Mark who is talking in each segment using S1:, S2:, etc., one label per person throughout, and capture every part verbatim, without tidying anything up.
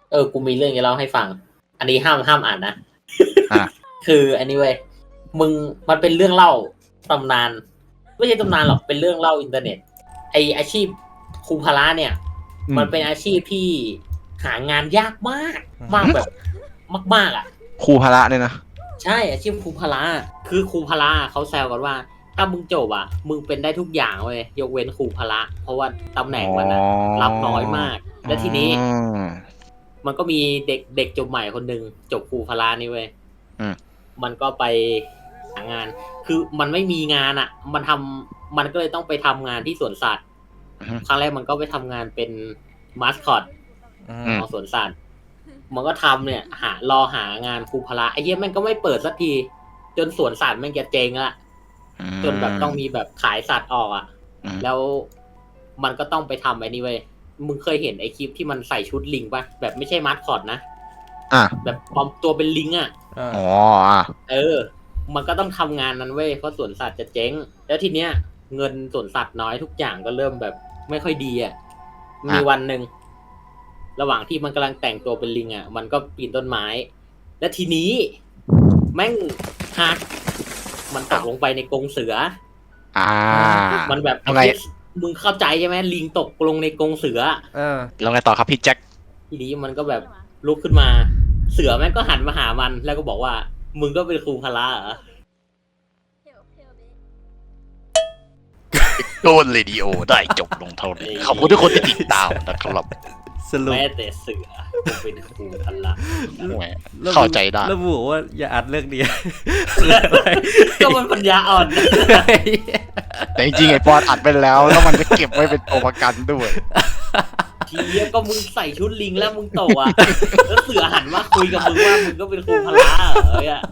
S1: เออกูมีเรื่องจะเล่าให้ฟังอันนี้ห้ามห้ามอ่านนะ
S2: อ่ะ
S1: คืออันนี้เว้ยมึงมันเป็นเรื่องเล่าตำนานไม่ใช่ตำนานหรอกเป็นเรื่องเล่าอินเทอร์เน็ตไออาชีพครูพละเนี่ยมันเป็นอาชีพที่หางานยากมากมากแบบมากๆอ่ะ
S2: ครูพละเนี่ยนะ
S1: ใช่อาชีพครูพละคือครูพละเขาแซวกันว่าถ้ามึงจบอ่ะมึงเป็นได้ทุกอย่างเว้ยยกเว้นครูพละเพราะว่าตำแหน่งมันอะรับน้อยมากและทีนี้มันก็มีเด็กเด็กจบใหม่คนหนึ่งจบครูพละนี่เว้ยมันก็ไปหางานคือมันไม่มีงานอ่ะมันทำมันก็เลยต้องไปทำงานที่สวนสัตว์ครั้งแรกมันก็ไปทำงานเป็นมาสคอตของสวนสัตว์มันก็ทำเนี่ยหารอหางานครูพละไอ้เหี้ยมันก็ไม่เปิดสักทีจนสวนสัตว์มันจะเจ๊งละจนแบบต้องมีแบบขายสัตว์ออกอ่ะแล้วมันก็ต้องไปทำไอ้นี่เว้ยมึงเคยเห็นไอ้คลิปที่มันใส่ชุดลิงป่ะแบบไม่ใช่มาสคอตนะ
S2: อ่ะ
S1: แบบปลอมตัวเป็นลิงอ่ะ
S2: อ๋ออ่ะ
S1: เออมันก็ต้องทำงานนั้นเว้ยเพราะสวนสัตว์จะเจ๊งแล้วทีเนี้ยเงินสวนสัตว์น้อยทุกอย่างก็เริ่มแบบไม่ค่อยดีอ่ะมีวันหนึ่งระหว่างที่มันกำลังแต่งตัวเป็นลิงอ่ะมันก็ปีนต้นไม้และทีนี้แม่งหักมันตกลงไปในกรงเสือ
S2: อ่า
S1: มันแบบไงมึงเข้าใจใช่ไหมลิงตกลงในกรงเสือ
S2: เออแล้วไงต่อครับพี่แจ็ค
S1: ทีนี้มันก็แบบลุกขึ้นมาเสือแม่งก็หันมาหามันแล้วก็บอกว่ามึงก็เป็นครูพละเหรอ
S2: โดนเรดิโอได้จบลงเท่านี้ขอบคุณทุกคนที่ติดตามนะครับ
S1: แม้แต่เสือเป็นครูพละ
S2: เข้าใจได้
S3: แล้วบอกว่าอย่าอัดเรื่องนี้
S1: ก็มันปัญญาอ่อน
S2: แต่จริงๆไอ้ปอนอัดไปแล้วแล้วมันจะเก็บไว้เป็นตัวประกันด้วย
S1: ทีเนี้ยก็มึงใส่ชุดลิงแล้วมึงโตอ่ะแล้วเสือหันมาคุยกับมึงว่ามึงก็เป็นครูพละเหรอเนี่ย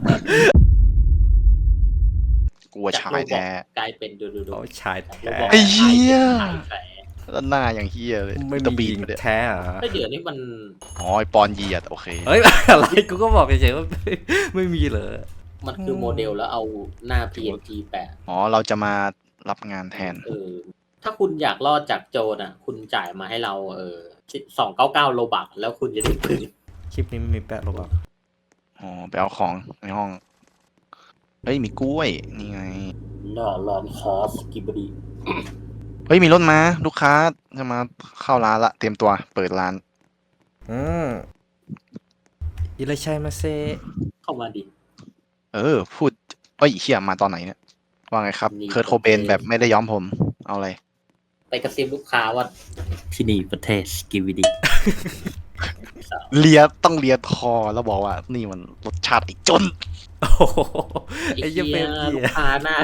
S2: กลัวชายแท้
S1: กลายเป็นดูดูดู
S3: ชายแท้
S2: ไอ้เหี้ยแล้วหน้าอย่างเฮียเลย
S3: ไม่มีแท้เหรอ
S1: เดี๋ยวนี้มัน
S2: อ๋อไอปอนเหยียดโอเค
S3: เฮ้ยอะไรกูก็บอกเฉยๆว่าไม่มีเลย
S1: มันคือโมเดลแล้วเอาหน้า พี เอ็น จี แปะ
S2: อ๋อเราจะมารับงานแทน
S1: เออถ้าคุณอยากรอดจากโจรอ่ะคุณจ่ายมาให้เราเออสองเก้าเก้าโลบักแล้วคุณจะได้ปืน
S3: คลิปนี้ไม่มีแปะโลบัก
S2: อ๋อไปเอาของในห้องเฮ้ยมีกล้วยนี่ไง
S1: น่าร้านคอสกิบดี
S2: เฮ้ยมีรถมาลูกค้าจะมาเข้าร้านละเตรียมตัวเปิดร้าน
S3: อืมอิเลชัยมาเซ
S1: เข้ามาดิ
S2: เออพูดเอ้ยเชี่ยมาตอนไหนเนี่ยว่าไงครับเคิร์ทโคเบนแบบไม่ได้ย้อมผมเอาอะไร
S1: ไปกระซิบลูกค้าว่าที่นี่ประเทศกิวิดี
S2: เลียต้องเลียทอแล้วบอกว่านี่มันรสชาติไอ้จน
S3: โอ้ไอ้ยังเป็น
S1: ลูกค้าหน้า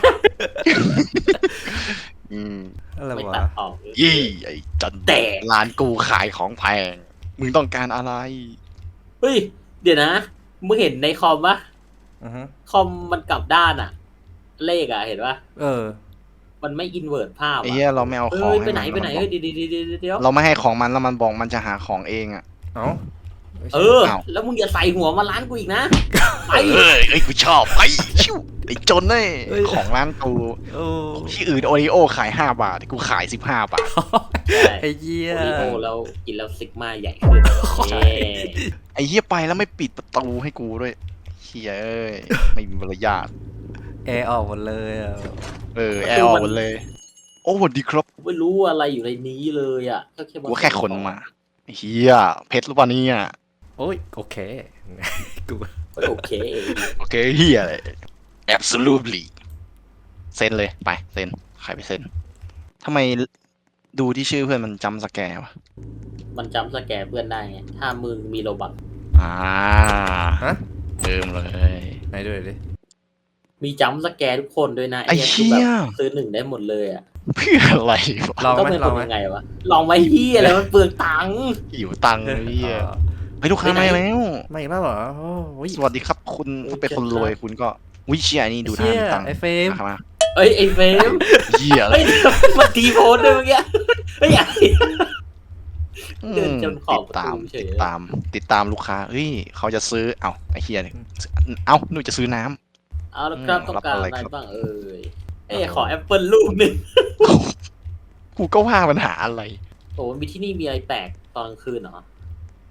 S2: อืม
S3: อะไรวะ
S2: ยี่ไอ้จนแต่ร้านกูขายของแพงมึงต้องการอะไร
S1: เฮ้ยเดี๋ยวนะมึงเห็นในคอมปะคอมมันกลับด้านอะเลขอะเห็นปะ
S3: เออ
S1: มันไม่อินเวิร์ตภาพ
S2: ไอ้เหี้ยเราไม่เอาของ
S1: ไปไหนไปไหนเฮ้ยเดี๋ยวเดี๋ยว
S2: เราไม่ให้ของมันแล้วมันบอกมันจะหาของเองอะ
S3: เอ้า
S1: เออแล้วมึงอย่าใส่หัวมาร้านกูอีกนะ
S2: ไปเอ้ยไอ้กูชอบไปชิวไอ้จนเน่ของร้านกูที่อื่นโอริโอขายห้าบาทกูขายสิบห้าบาท
S3: ไอ้เหี้ย
S1: โอริโอแล้วกินแล้วซิกมาใหญ่ขึ้น
S2: ไอ้เหี้ยไปแล้วไม่ปิดประตูให้กูด้วยเหี้ยเอ้ยไม่มีมารยาท
S3: แอร์ออกหมดเลยอ่ะ
S2: เออแอร์ออกหมดเลยโอ้สวัสดีครับ
S1: ไม่รู้อะไรอยู่ในนี้เลยอ่ะ
S2: ก็แค่กูแค่คนมาเฮียเพชรหรือเปล่านี่อ่ะ
S3: โอ้ยโอเค
S1: กูโอเค
S2: โอเคเฮียเลย absolutely เซ็นเลยไปเซ็นใครไปเซ็นทำไมดูที่ชื่อเพื่อนมันจำสแกร์วะ
S1: มันจำสแกร์เพื่อนได้ไงถ้ามึงมีโลบัก
S2: อ่าฮะเติมเลย
S3: ไหนด้วยดิ
S1: มีจำสแกร์ทุกคนด้วยนะ
S2: ไอ้เหี้ย
S1: ซื้อหนึ่งได้หมดเลยอ่ะ
S2: เพื่ออะไรวะ
S1: ลองไหมลองยังไงวะลองไว้เหี้ยอะไรมันเปลืองตังค์
S2: หิวตังค์เหี้ยไปลูกค้ามาแล้ว
S3: มาอีกแล้วเหรอ
S2: สวัสดีครับคุณเป็นคนรวยคุณก็วิเชียนี่ดูท่าตังค์
S3: ไอ้เฟม
S2: มา
S1: เอ้ยไอ้เฟม
S2: เหี้ยอะไร
S1: มาตีโพสเลยเมื่อกี้เฮ้ยเดินจนขอบ
S2: ติดตามติดตามติดตามลูกค้าเฮ้ยเขาจะซื้อเอ้าไอ้เหี้ยเนี่ยเอ้าหนูจะซื้อน้
S1: ำเอาแล้วครับต้องการอะไรบ้างเอ้ยเอ้ขอแอปเปิลลูกหนึ่ง
S2: กูก็ว่าปัญหาอะไร
S1: โอ้มีที่นี่มีอะไรแปลกตอนกลางคืนเหรอ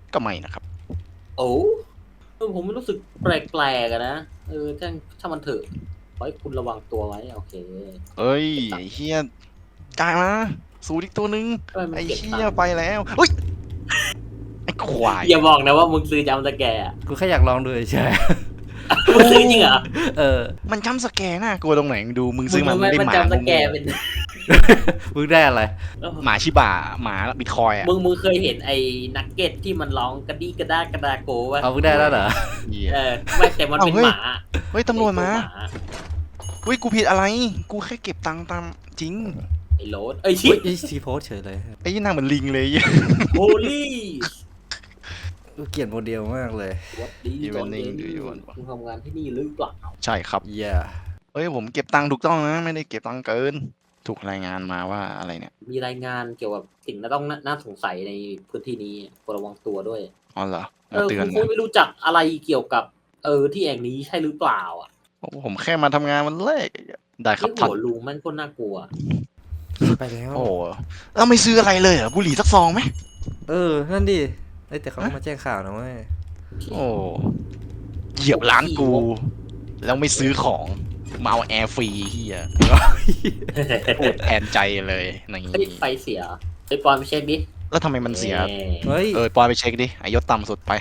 S2: ก็ไม่นะครับ
S1: โอ้เออผมไม่รู้สึกแปลกๆอะนะเออถ้าถ้ามันเถอะขอให้คุณระวังตัวไว้โอเค
S2: เอ้ยไอ้เฮียจ่ายมาสูดอีกตัวหนึง
S1: ทำไมมัน
S2: ไอ้
S1: เก็บ
S2: เฮี
S1: ตัง
S2: ย
S1: ค์
S2: ไปแล้วเฮ้ยไอ้ควาย
S1: อย่าบอกนะว่ามึงซื้อจำสแกร์อะ
S3: กูแค่อยากลองดูเฉย
S1: มึงซื้อจริงเหรอ
S3: ๆเออ
S2: มันจำสแกร์น่ากลัวตรงไหนมึงดูมึงซื้อมา
S1: มึ
S2: มึงได้
S1: มัน
S2: หมา
S1: จำสแกร์
S2: โง่
S1: เป็น
S3: มึงได้อะไร
S2: หมาชิบะหมาบิตคอยอ่ะ
S1: มึงมึงเคยเห็นไอ้นักเก็ตที่มันร้องกระดี้กระด้ากระดาโกวะ
S3: เอามึงได้แล้วเหรอ
S2: เหี้ย
S1: เออไม่แต่มันเป็น
S2: เอ้าเฮ้ย
S1: หมา
S2: เฮ้ยตำรวจมา
S1: ไอ้ตัวห
S2: เฮ้ยกูผิดอะไร กูแค่เก็บตังค์ตามจริง
S1: ไอ้โรสเอ้ยชิ
S3: เฮ้ยไอ้ทีโพสเฉยเลย
S2: ไอ้ยี่หน้าเหมือนลิงเลย
S1: โฮลี่
S3: กูเกลียดโมเดลมากเลย
S1: วัดดี
S2: Evening
S1: ตอนเย็น
S2: do you want
S1: คุณทำงานที่นี่หรือเปล่า
S2: ใช่ครับ
S3: เย่า
S2: เฮ้ยผมเก็บตังค์ถูกต้องนะไม่ได้เก็บตังค์เกิน ถูกรายงานมาว่าอะไรเนี่ย
S1: มีรายงานเกี่ยวกับสิ่งที่ต้องน่าน่าสงสัยในพื้นที่นี้ควรระวังตัวด้วย
S2: อ๋อเหรอ
S1: เอ
S2: มา
S1: อ
S2: เตือ
S1: คุ
S2: น
S1: ณคุ
S2: นะ
S1: ณไม่รู้จักอะไรเกี่ยวกับ เออที่แห่งนี้ใช่หรือเปล่าอ่ะ
S2: โอ้ผมแค่มาทำงานวันแรกได้ครับ
S1: ไอ้
S2: ท่าน
S1: หัวลุงมันก็น่ากลัว
S3: ไปแล้ว
S2: โอ้เราไม่ซื้ออะไรเลยเหรอบุหรี่สักซองไหม
S3: เออ นั่นดิเอ้ยแต่เขาก็มาแจ้งข่าวนะเว้ย
S2: โอ้เหยียบร้านกู แล้วไม่ซื้อของมาเอาแอร์ฟรีเฮียพูดแทนใจเลยใน
S1: เฮ้ยไฟเสียไอ้ปอนไปเช็คดิ
S2: แล้วทำไมมันเสีย
S3: เฮ้ย
S2: เออปอยไปเช็คดิไอยศต่ำสุดไป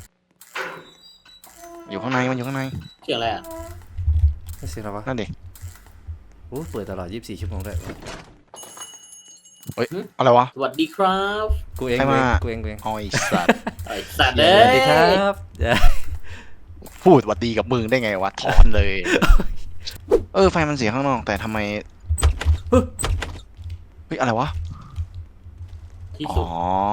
S2: อยู่ข้างในมันอยู่ข้างใน
S1: เสียงอะไรอ่ะ
S3: ไม่เสียแล้ววะ
S2: นั่นดิ
S3: โอ้เปิดตลอดยี่สิบสี่ชั่วโมงด้วย
S2: อะไรวะ
S1: สวัสดีครับ
S3: กูเอง
S2: ใครมา
S3: กูเองกูเอง
S2: ออยสัตว์
S1: ไอ้สัตว์
S3: ส
S1: เอ้
S3: วัสดีครั
S1: ย
S3: บเย้
S2: พูดหวัดดีกับมึงได้ไงวะถอนเลย เออไฟมันเสียข้างนอกแต่ทำไมเฮ้ยอะไรวะ
S1: ที่
S2: อ๋
S1: สุด
S2: อ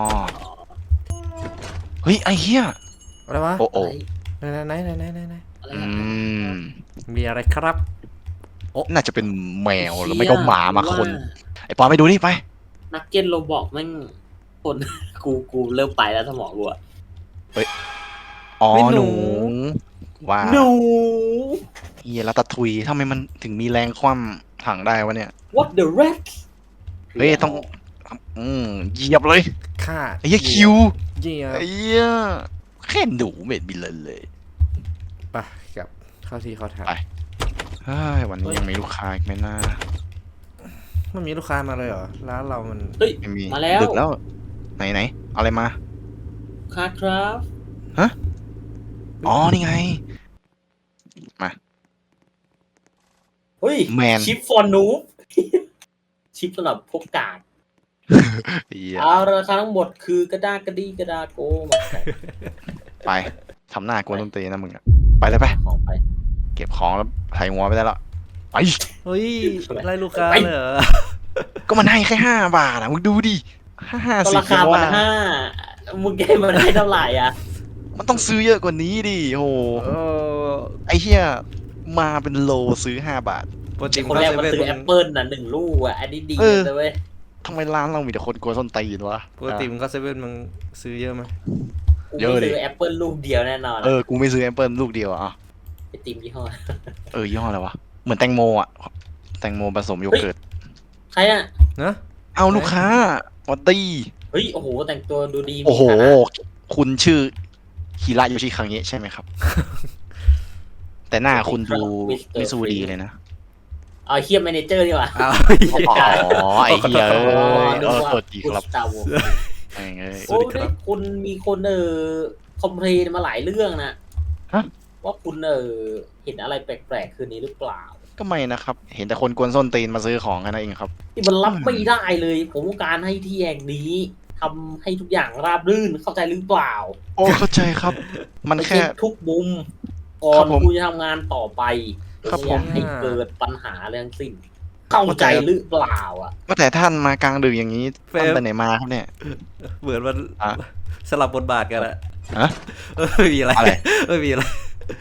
S2: เฮ้ยไอเฮีย
S3: อะไรวะ
S2: โอ้โอ้
S3: ไหนไหนไหนไหนไหนไหน
S1: อะไร
S2: อื
S1: อะ
S2: ม
S3: มีอะไรครับ
S2: น่าจะเป็นแมวหรือไม่ก็หมามาคน
S1: ว่า
S2: ไอปอนไปดูนี่ไป
S1: นักเก็ตโรบอกแม่งคน กูกูเริ่มไปแล้วสมองกูอะ
S2: อ๋อ
S3: ไม่หนู
S2: หนูว่า
S1: หนู
S2: เฮียแล้วตะทุยทำไมมันถึงมีแรงคว่ำถังได้วะเนี่ย
S1: what the rat
S2: เฮ้ยต้องอืมเหยียบเลย
S3: ฆ่า
S2: ไอ้เหี้ยคิว
S3: เยี่ยม
S2: ไอ้เหี้ยแค่หนูเม็ดบินเลยเลย
S3: ไปกลับเข้าที่เข้าทาง
S2: ไป เฮ้ยวันนี้ยังมีลูกค้าอีกไหมนะ
S3: มันมีลูกค้ามาเลยเหรอร้านเรามัน
S1: เฮ้ย
S2: ไม่มี
S1: มาแล้ว
S2: ดึกแล้ว ไหนไหนเอาอะไรมา
S1: ค่ะครับ
S2: อ๋อ นี่ไง มา
S1: เฮ้ย
S2: แมน
S1: ชิปฟอนนูบ ชิปสำหรับพวกกาด
S2: เหี้ย
S1: เอาราคาทั้งหมดคือกระด้ากระดีกระดาโกมา
S2: ไปทำหน้ากวนต้นตีนนะมึงอะไปเลยไป
S1: ของไป
S2: เก็บของแล้วไถ่หัวไปได้แล้วไป
S3: เฮ้ยไล่ลูกค้าเลยเหรอ
S2: ก็มันให้แค่ห้าบาทอะมึงดูดิห้าห้า
S1: ก็
S2: สิบ
S1: ราคาพันห้ามึงแกมันได้เท่าไหร่อ่ะ
S2: มันต้องซื้อเยอะกว่านี้ดิโห
S3: เออ
S2: ไอ้เหี้ยมาเป็นโลซื้อห้าบาท
S3: ปกติ
S1: คนแรกมันซื้อแอปเปิลน่ะหนึ่งลูกอ่ะ อันนี้ดี
S2: เออ
S1: เลยเว้ย
S2: ทำไมร้านเรามีแต่คนกลัวส้นตีนวะ
S3: ปกติมึงก็เซเว่นมึงซื้อเยอะไหม
S1: กู
S2: เยอะ
S1: ไม่
S2: ดิ
S1: ซื้อแอปเปิลลูกเดียวแน่นอน
S2: เออ กูไม่ซื้อแอปเปิลลูกเดียวอะอ่ะ
S1: ไอติมยี่ห้อ
S2: เออยี่ห้ออะไรวะ เหมือนแตงโมอ่ะ แตงโมผสมโยเกิร์ต
S1: ใครอ่ะ
S3: นะ
S2: เอาลูกค้าวัดดี
S1: เฮ้ย โอ้โห แต่งตัวดูดีมี
S2: โอ้โห
S1: ฐานะ
S2: คุณชื่อฮิระโยชิคังเงะใช่ไหมครับ แต่หน้าคุณดูไม่สู้ดีเลยนะ
S1: เอาเฮียแมเนเจอร์ดีกว่า
S3: อ้าว
S2: อ๋อ ไอ้เหี้ยเอ้ย
S1: นึ
S2: เอก อ
S1: ว่า
S2: สวัสดีครับ
S1: สตาร์วอร์
S2: ไอ้เอ้ย
S1: โอ้ยคุณมีคนเออคอมเพลนมาหลายเรื่องนะ
S2: ฮะ
S1: ว่าคุณเออเห็นอะไรแปลกๆคืนนี้หรือเปล่า
S2: ก็ไม่นะครับ เห็นแต่คนกวนส้นตีนมาซื้อของกันนั่นเองครับ
S1: ที่มันรับไม่ได้เลย ผมต้องการให้ที่แห่งนี้ทำให้ทุกอย่างราบรื่นเข้าใจหรือเปล่า
S2: โอ้เข้าใจครับ มัน
S1: ไป
S2: แค่
S1: เช็คทุกมุมก่อ
S2: ครั
S1: น
S2: บผม
S1: คุณจะทำงานต่อไป
S2: ครับผม
S1: ไม่อยากให้เกิดปัญหาเรื่องสิ้น เข้าใจหรือเปล่าอ่ะ
S2: ก็แต่ท่านมากลางดึกอย่างนี้ท่านไปไหนมาครับเนี่ย
S3: เหมือนมัน
S2: อ่ะ
S3: สลับบทบาทกันอะ
S2: ฮะ
S3: เออไม่มีอะไร
S2: อะไร
S3: ไม่มีอะไร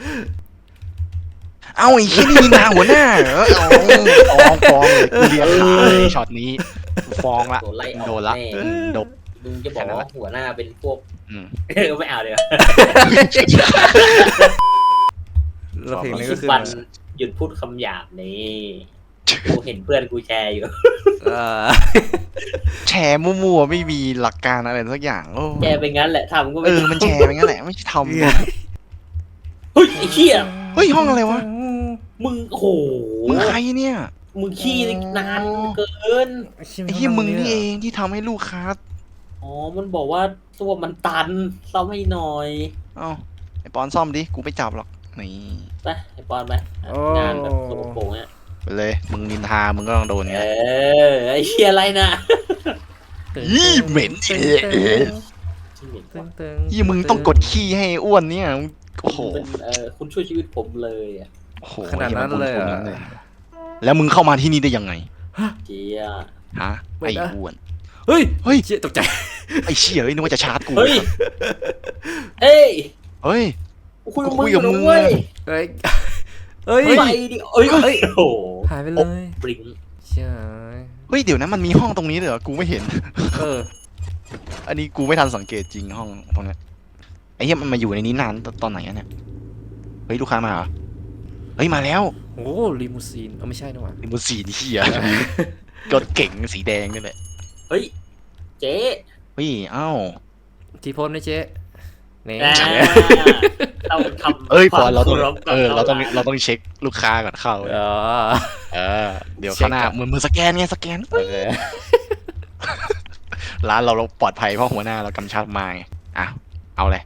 S2: เอาไอ้ที่นี่นาหัวหน้าเหรอเอาฟ้องฟ้องเลยกูเรียกขาเลยช็อตนี้กูฟ้องละ
S1: โดนไล่ออก
S2: โดนละ
S1: แน่
S2: อืมโดน
S1: มึงจะบอกว่าหัวหน้าเป็นพวก
S2: อืม
S1: เออไม่เอาเดี๋ยว
S3: แล้วเพลงนี้
S1: สิ
S3: ก็
S1: บ
S3: คือ
S1: วันหยุดพูดคำหยาบนี่กูเห็นเพื่อนกูแชร์อยู่
S3: เออ
S2: แชร์มั่วๆไม่มีหลักการอะไรสักอย่างโอ้
S1: แชร์ไปงั้นแหละทำก็
S2: เอ
S1: ไม่
S2: อมันแชร์ไปงั้นแหละไม่ใช่ทำ
S1: เฮ้ยไอ้เหี้ย
S2: เฮ้ยห้องอะไรวะ
S1: มึงโอ้โห
S2: มึงใครเนี่ย
S1: มึงขี้นานเกิน
S2: ไอ้เหี้ยมึงนี่เองที่ทำให้ลูกค้า
S1: อ๋อมันบอกว่าตัวมันตันซ่อมให้หน่อย
S2: เอ้าไอ้ปอนซ่อมดิกูไม่จับหรอกนี่
S1: ไปไอ้ปอนไปงานแบบสกปรกเนี่ย
S2: ไปเลยมึงนินทามึงก็ต้องโดน
S1: เอ
S2: ไง
S1: อไอ้เหี้ยอะไรนะ
S2: ยี่เหม็น
S3: ตึง
S2: เอ๊ะ
S1: ชื่อเหม็น
S3: ตึ
S1: ว่ะ
S3: งตึง
S2: ยี่มึงต้องกดขี้ให้อ้วนเนี่ยโอ้โห
S1: เป็นเออคุณช่วยชีวิตผมเลยอ่ะ
S2: โอ้โห
S3: ขนาดนั้นเลยเหร
S2: หี้
S3: อ่ะ
S2: มันแล้วมึงเข้ามาที่นี่ได้ยังไง
S1: เจีย
S2: ฮะไอ้อ้วน
S3: เฮ้ย
S2: เฮ้ย
S3: เชี่ยตกใจ
S2: ไอ้เชี่ยเอ้ยนึกว่าจะชาร์จกู
S1: เฮ้ยเอ้ย
S2: เฮ้ย
S1: กูคุยกับ
S2: กู
S1: มึ
S2: คุ
S1: ง
S2: ย
S1: อ
S2: กับ
S1: ยู่
S2: มึ
S1: นะ
S2: ง
S1: เว้ย
S3: เฮ้ยเฮ้ย
S1: ไปดิเอ้ย
S3: เฮ้ย
S1: โอ้โห
S3: หายไปเลย
S1: บลิง
S3: เชี่ย
S2: เฮ้ยเดี๋ยวนะมันมีห้องตรงนี้เลยเหรอกูไม่เห็น
S3: เออ
S2: อันนี้กูไม่ทันสังเกตจริงห้องตรงเนี้ยไอ้เหี้ยมันมาอยู่ในนี้นานตอนไหนอะเนี่ยเฮ้ยลูกค้ามาเหรอเฮ้ยมาแล้ว
S3: โอ้ลิมูซีนเออไม่ใช่นะวะ
S2: ลิมูซีนเหี้ยรถเก๋งสีแดงนี่แหละ
S1: เฮ้ยเจ๊
S2: เฮ้ยเอ้า
S3: ทีโพสนะเจ๊นี่
S1: อ่าเราทำ
S2: เอ้ยปอนเราต้อง
S1: ควมคบกับ
S2: เออเราต้อง
S1: ร้น
S2: เราต้องเช็คลูกค้าก่อนเข้า
S3: อ๋อ
S2: เออเดี๋ยว
S3: เช็ค
S2: ข้างหน้า
S3: ก่อน
S2: เหมือนมือสแกนไงสแกน
S3: โอเค
S2: ร้านเราเราปลอดภัยเพราะหัวหน้าเรากำชับมาไงอ่ะเอาเลย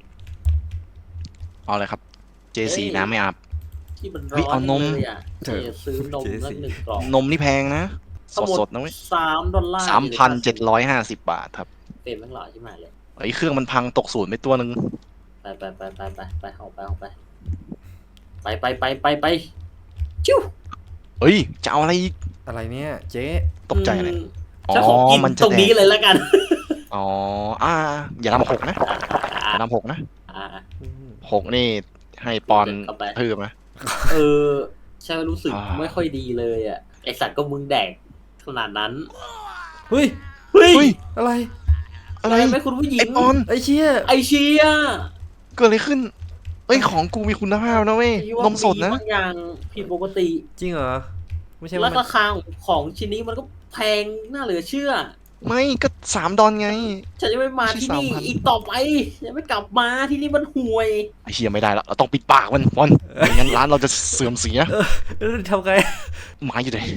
S2: เอาเลยครับ เจ ซี น้ำไม่อาบ
S1: ที่มัน
S2: เฮ้
S1: ร้
S2: ย
S1: อน
S2: เอานม
S1: เลยอ่ะเจ๊ซื้อนมสักหนึ่งกล่อง
S2: นมนี่แพงนะ ส
S1: ทั้ง
S2: ด
S1: หม
S2: สดๆนะเว้ย
S1: สามดอลลาร์
S2: สามพันเจ็ดร้อยห้าสิบบาทครับ
S1: เต็มทั้งหลอดใช่ไหมเลย
S2: ไอ้เครื่องมันพังตกศูนย์ไปตัวหนึ่ง
S1: ไปไปไปไปไปไปออกไปออกไปไปไปไปไปไปจิ้ว
S2: เฮ้ยจะเอาอะไรอีก
S3: อะไรเนี่ยเจ๊
S2: ตกใจเลย
S1: ม
S2: อ๋อ
S1: ฉันขอกิน
S2: มันจะ
S1: ตรงนี้
S2: แดก
S1: เลยแล้วกัน
S2: อ๋ออ่าอย่าทำหกนะอย่าทำหกนะ
S1: อ่า
S3: อืม
S2: หกนี่ให้ปอน
S1: เข้าไป
S2: ทืบนะ
S1: เออใช่ว่ารู้สึก
S2: อ่า
S1: ไม่ค่อยดีเลยอ่ะไอสัตว์ก็มึงแดกขนาดนั้น
S3: เฮ้ย
S1: เฮ้ย
S2: เฮ้ย
S3: อะไร
S2: อะไร
S1: แม่คุณผู้หญิ
S2: ไอ้
S1: ง
S2: ปอน
S3: ไอ้เชี่ย
S1: ไอเชีย
S2: เกิดอะไรขึ้นเอ้ยของกูมีคุณภาพนะเว้ย
S1: ไอ้ว่าน
S2: มสดนะ
S1: บางอย่างผิดปกติ
S3: จริงเหรอไม่ใช่
S1: แล้
S3: ว่าว มัน
S1: ราคาของชิ้นนี้มันก็แพงน่าเหลือเชื่อ
S2: ไม่ก็สามดอนไง
S1: ฉันจะไม่มาที่นี่
S2: ไม่ใช่สามพัน
S1: อีกต่อไปจะไม่กลับมาที่นี่มันห่วย
S2: ไอ้เฮียไม่ได้แล้วเราต้องปิดปากมันปอนไม่งั้นร้านเราจะเสื่อมเสีย
S3: เออทำไง
S2: หมาอยู่ไหน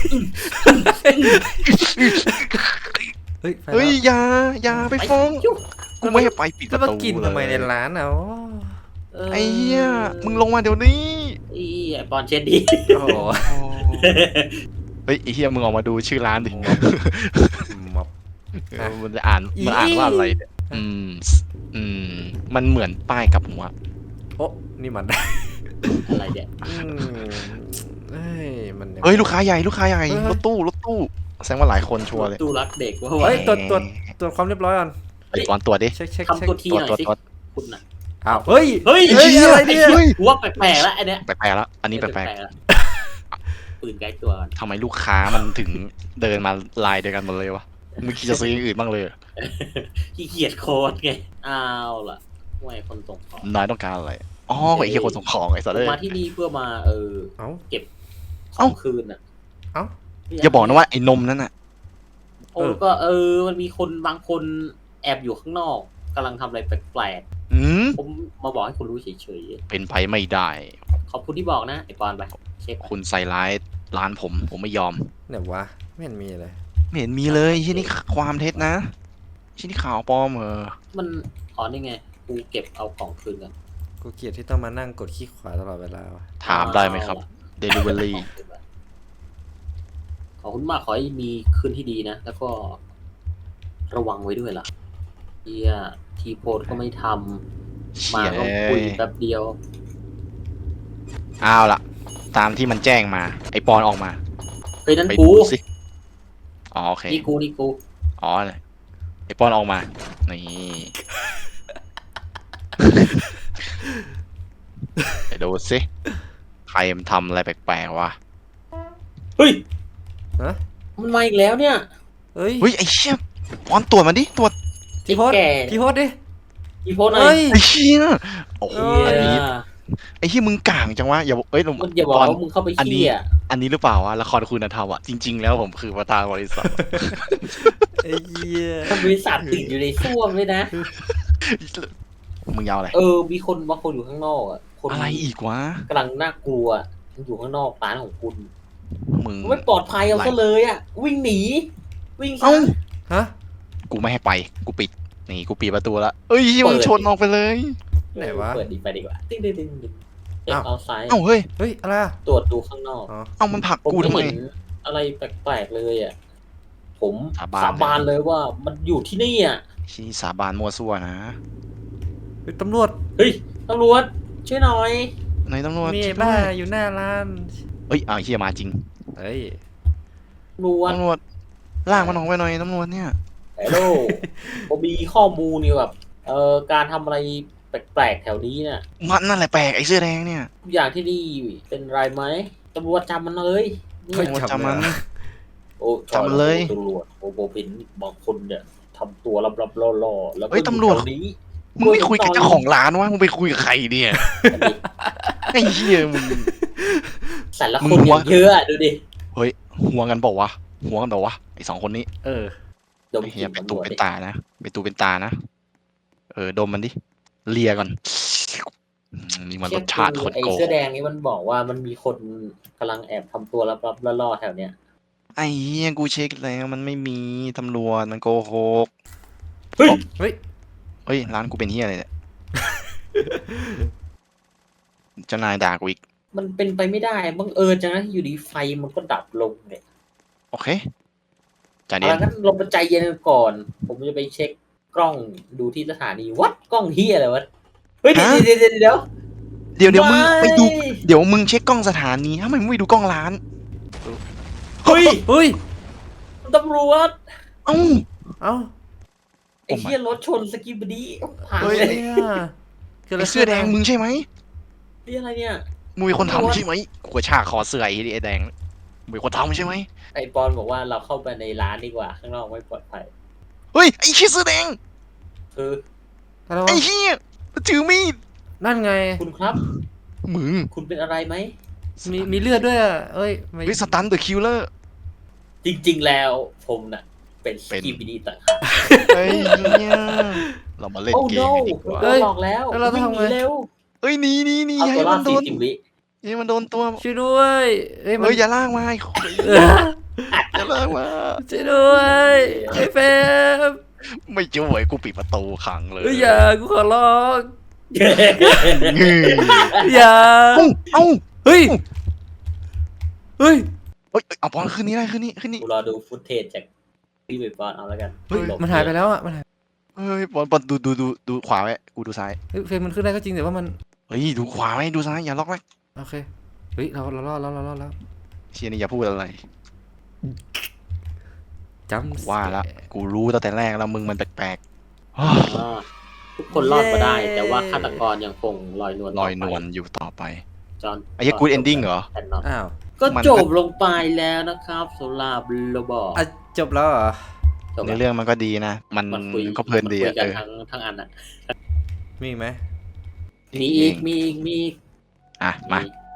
S3: เฮ้ยไปแล้ว
S2: เฮ้ยอย่าอย่าไปฟ้อง
S1: จุ๊บ
S2: กูไม่ให้ไปปิดป
S3: แล้ว
S2: ระ
S3: มา
S2: ตู
S3: กินทำไมใน
S2: เลย
S3: ร้านอ่ะโอ้
S2: ไอ้เหี้ยมึงลงมาเดี๋ยวนี้
S1: อีไอ้บอลเชนดี
S3: โห
S2: เฮ้ยไอ้เหี้ยมึงออกมาดูชื่อร้านดิ
S3: มับ
S2: เออมันจะอ่านมันอ่านว่าอะไรเนี่ยอืมอืมมันเหมือนป้ายกับหัว
S3: โอ้นี่มัน
S1: อะไรเนี่ย
S3: อืมเฮ้ยมันงไง
S2: เฮ้ยลูกค้าใหญ่ลูกค้าใหญ่
S3: เฮ้ย
S2: รถตู้รถตู้แสดงว่าหลายคนชัวร์เลย
S1: ตู้รักเด็กว่า
S3: เฮ้ยตรวจตรวจตรวจความเรียบร้อยก่อน
S2: ไอ้ปอนตรวจดิ
S3: เช็คเช็คเช็ค
S1: ทำตัวที
S2: ตรวจ
S1: หน่อย
S2: ตรวจ
S1: สิ
S2: ตรวจ
S1: คุณน่ะ
S3: อ้าวเฮ้ย
S1: เฮ้ย
S3: เฮ้ยอะไรเนี่ย
S2: เฮ้ย
S1: กูว่าแปลกๆแล้วไอเนี้ย
S2: แปลกๆแล้วอันนี้แปลก
S1: ๆแล้วปืนไกลตัวก่อน
S2: ๆทำไมลูกค้ามันถึงเดินมาลายเดียวกันหมดเลยวะมึงคิดจะซื้ออย่างอื่นบ้างเลยเหรอ
S1: ขี้เกียจโค้ดไงอ้าวล่ะห่วยคนส่งของ
S2: นายต้องการอะไรอ๋อไอ้เหี้ยคนส่งของไอ้สัตว์เลย
S1: มาที่นี่เพื่อมาเออ
S3: เอ้า
S1: เก็บข
S2: เอ้า
S1: องคืนอ่ะ
S3: เอ้า
S2: อย่าบอกนะว่าไอ้นมนั่นน่ะ
S1: โอ้ก็เออมันมีคนบางคนแอบอยู่ข้างนอกกำลังทำอะไรแปลก
S2: อืม
S1: ๆผมมาบอกให้คุณรู้เฉย
S2: เป็นไปไม่ได้
S1: ๆขอบคุณที่บอกนะไอปอนไปเช็ค
S2: คุณใส่ร้ายร้านผมผมไม่ยอม
S3: ไหนวะไม่เห็นมีเลย
S2: ไม่เห็นมีเลยที่นี่ความเท็จนะที่นี่ข่าวปลอมเออ
S1: มันอ๋อนี่ไงกูเก็บเอาของคืนกัน
S3: กูเกลียดที่ต้องมานั่งกดขี้ขวาตลอดเวลาวะ
S2: ถามได้ไหมครับ Delivery
S1: ขอบคุณมากขอให้มีคืนที่ดีนะ แล้วก็ระวังไว้ด้วยล่ะเฮียทีโพสก็ไม่ทำมา
S2: เชี่ย
S1: ก็คุยแป๊บเดียว
S2: เอาล่ะ ตามที่มันแจ้งมา ไอปอนออกมา
S1: เฮ้ยนั่น
S2: ไป
S1: กู
S2: ดูสิอ๋อโอเค
S1: นี่กูนี่กู
S2: อ๋อไอปอนออกมานี่ไปดูสิใครมันทำอะไรแปลกๆวะ
S1: เฮ้ย
S3: ฮะ
S1: มันมาอีกแล้วเนี่ย
S3: เฮ้ย
S2: เฮ้ยไอเชี่ยปอนตรวจมาดิตรวจ
S3: ทีโพส
S1: ไอ้แก่
S3: ทีโพสดิ
S1: ทีโพสหน่อ
S3: เฮ้
S1: ย
S3: ย
S2: ไอเชี่ยโอ้โห
S3: เอ้ย
S2: อันนี้ไอ้ที่มึงก่างจังวะอย่าเอ้ยลง
S1: มันอย่าบอก
S2: ตอน
S1: ว่ามึงเข้าไป
S2: อันนี้
S1: ขี้อ่ะ
S2: อันนี้หรือเปล่าวะละครคุณธรรมอ่ะจริง ๆ แล้วผมคือประธานบริษัท
S3: ไอ้เหี้ย
S1: มันบริษัทติดอยู่ในส้วมเลยนะ
S2: มึงยาวอะไร
S1: เออ มีคนบางคนอยู่ข้างนอกอ่ะคน
S2: อะไรอีกวะ
S1: กำลังน่ากลัวมันอยู่ข้างนอกร้านของคุณ
S2: มึง
S1: ไม่ปลอดภัยเอาซะเลยอ่ะ วิ่งหนี วิ่งซะ
S2: เอ้า
S3: ฮะ
S2: กูไม่ให้ไปกูปิดนี่กูปิดประตูละเอ้ยมึงชนออกไปเลย
S3: ไหนวะ
S1: เปิดดีไปดีกว่าติ๊งติ๊งติ๊งติ๊งเช็ค
S3: อ้าว
S1: เอาไซด์
S2: เอ้าเฮ้ย
S3: เฮ้ยอะไรอะ
S1: ตรวจดูข้างนอก
S3: อ๋อ
S2: เอ้ามันผลัก
S1: ผม
S2: กูทำไม
S1: เห็นอะไรแปลกๆเลยอ่ะ ผม
S2: สาบาน
S1: สาบานเลยว่ามันอยู่ที่นี่อ่ะ
S2: ชี้สาบานมั่วซั่วนะ
S3: เฮ้ยตำรวจ
S1: เฮ้ยตำรวจช่วยหน่อย
S2: ไหนตำรวจ
S3: มี
S2: ช่
S3: ไอ้
S2: วย
S3: บ้า
S2: ด้วย
S3: อยู่หน้าร้าน
S2: เอ้ยอ้าวเฮียมาจริง
S3: เฮ้ย
S1: ตำรวจ
S2: ตำรวจล่างมันออกไปหน่อยตำรวจเนี่ย
S1: ฮัลโหลผมมีข้อมูลนี่แบบเอ่อการทำอะไรแปลกๆแถวนี้เนี่ย
S2: มันนั่นแหละแปลกไอ้เสื้อแดงเนี่ย
S1: ทุกอย่างที่นี่เป็นไรไหมตำรวจจำมันเลยเนี่
S3: เฮ้ย
S1: ย
S2: จำมัน
S1: โอ้
S2: จำมันเลย
S1: ตำรวจโอ้โหเป็นบางคนเนี่ยทำตัวลับๆล่อๆแล้วก็
S2: เฮ้ย
S1: อยู่
S2: ตำรวจ
S1: แถนี้
S2: มึงไม่คุยกับเจ้าของร้านวะมึงไปคุยกับใครเนี่ยไอ้เหี้ยมึง
S1: แต่ละ
S2: มึ
S1: คน
S2: งหัว
S1: อย่างเยอะอะดูดิ
S2: เฮ้ยหัวกันบอกวะหัวกันบอกวะไอ้สองคนนี้
S3: เออ
S1: ดม
S2: ไอ้
S1: ก
S2: เฮี
S1: ลิ่
S2: ย
S1: น
S2: เป็น
S1: ตำร
S2: ตู
S1: วจ
S2: เป็น
S1: ดิ
S2: ตานะเป็นตูเป็นตานะเออดมมันดิเลียก่อนอืมนี่มันรสชาติคน
S1: ไอ้
S2: โก
S1: เสื้อแดงนี่มันบอกว่ามันมีคนกำลังแอบทำตัวลับๆล่อๆแถวเนี้ย
S2: ไอ้เหี้ยกูเช็คแล้วมันไม่มีตำรวจมันโกหก
S1: เฮ้ย
S3: เฮ้ย
S2: เฮ้ยร้านกูเป็นเหี้ยอะไรเนี่ยเจ้านายด่ากูอีก
S1: มันเป็นไปไม่ได้บังเอิญจังนะอยู่ดีไฟมันก็ดับลงเนี่ย
S2: โอเคจ่าย
S1: เอา
S2: เดีย
S1: ละ
S2: น
S1: งั้นลงมาใจเย็นกันก่อน ผมจะไปเช็คกล้องดูที่สถานีวัดกล้องเฮียอะไรวะเฮ้ยเดี๋ยวเดี๋ยวเดี๋ยวเดี๋ยว
S2: เดี๋ยวเดี๋ยวมึง
S1: ไม่
S2: ไปดูเดี๋ยวมึงเช็คกล้องสถานีทำไมมึงไม่ดูกล้องร้าน
S1: เฮ้ย
S3: เฮ้ย
S1: ตำรวจ
S2: เอ้า
S3: เอ้า
S1: ไอ้เฮียรถชนสกิบดีพัง
S2: เฮ้ย
S1: เล
S3: เฮ้
S1: ย
S3: ยคืออะไร
S2: ไอ้เสื้อแดงมึงใช่ไหม
S1: นี่อะไรเนี่ย
S2: มึงเป็นคน
S1: ตำรวจ
S2: ทำใช่ไหมกูกระชากคอเสื้อไอ้ไอ้แดงมึงเป็นคนทำใช่ไหม
S1: ไอ้ปอนบอกว่าเราเข้าไปในร้านดีกว่าข้างนอกไม่ปลอดภัย
S2: เฮ้ยไอ้เหี้ยเสื้อแดง
S1: คือ
S3: อะไร
S2: ไอ้
S3: วะ
S2: เหี้ยมันถือมีด
S3: นั่นไง
S1: คุณครับ
S2: มึง
S1: คุณเป็นอะไรไหม
S3: มีมีเลือดด้วยอ่ะเอ้ยไม่
S2: เฮ้ยสตันเดอะคิลเลอร์
S1: จริง ๆ แล้วผมน่ะ เป็นส
S2: เป็น
S1: กิบดีต่างหาก
S2: เฮ้ยเนี่ยเรามาเล่น
S1: โอ้
S2: เก
S1: โน
S2: มกันดีกว่า
S1: โดนหลอกแล้ว
S3: แล้วเราต้อง
S1: วิ่งห
S3: ทำไง
S1: นีเร็ว
S2: เอ้ยหนีหนีหนี
S1: เอา
S2: อย่า
S1: ตัว
S2: ให้
S1: รอ
S2: มั
S1: ด
S2: นโด
S1: สี่
S2: น
S1: สิบวิ
S3: ๆ
S2: อย่าให้มันโดนตัว
S3: ช่วยด้วยเอ้ยมัน
S2: เฮ้ยอย่าลากมาไอ้คน
S3: เออ
S2: อย่าลากมา
S3: ช่วยด้วยไอ้เฟม
S2: ไม่ช่วยกูปิดประตูขังเลย
S3: เฮ้ยอย่ากูขอร้อง
S2: งือ
S3: อย่า
S2: เอ้าเอ้า
S3: เฮ้ยเฮ้ย
S2: เอ้ยเอาบอลคืนนี้ได้คืนนี้คืนนี้
S1: กูรอดูฟุตเทจจากพี่เบย์บอลเอาแล้วกัน
S3: เฮ้ย
S1: หลบ
S3: มันหายไปแล้วอ่ะมันหาย
S2: เฮ้ยบอลบอลดูดูดูดูขวาไว้กูดูซ้าย
S3: เฮ้ยเฟรมมันขึ้นได้ก็จริงแต่ว่ามัน
S2: เฮ้ยดูขวาไว้ดูซ้ายอย่าล็อกไว้
S3: โอเคเฮ้ยเราเรารอดแล้วเรารอดแล้ว
S2: เชียร์นี่อย่าพูดอะไร
S3: จำ
S2: ว่าละกูรู้ตั้งแต่แรกแล้วมึงมันแปลกๆ
S1: อ่าทุกคนรอดมาได้ แต่ว่าฆาตกรยังคงลอยนวล
S2: ลอยนวลอยู่ต่อไป
S1: จอห์น
S2: ไอ้เหี้ย good ending เหรอ
S1: แอนนอน
S3: อ้าว
S1: ก็
S2: มัน
S1: จบลงไปแล้วนะครับสำหรับโรบอท
S3: อ่ะจบแล้วเหรอ
S1: จบ
S2: ใน
S1: แล้ว
S2: เรื่องมันก็ดีนะ มัน
S1: มันคุย
S2: ก็เพลินดี
S1: มั
S2: อะ
S1: คุยกั
S2: เอน อ
S1: ทั้งทั้งอันอ่ะ
S3: มีอีกไหม
S1: มีอีกมีอีกมีอีก
S2: อ่ะมา
S1: มี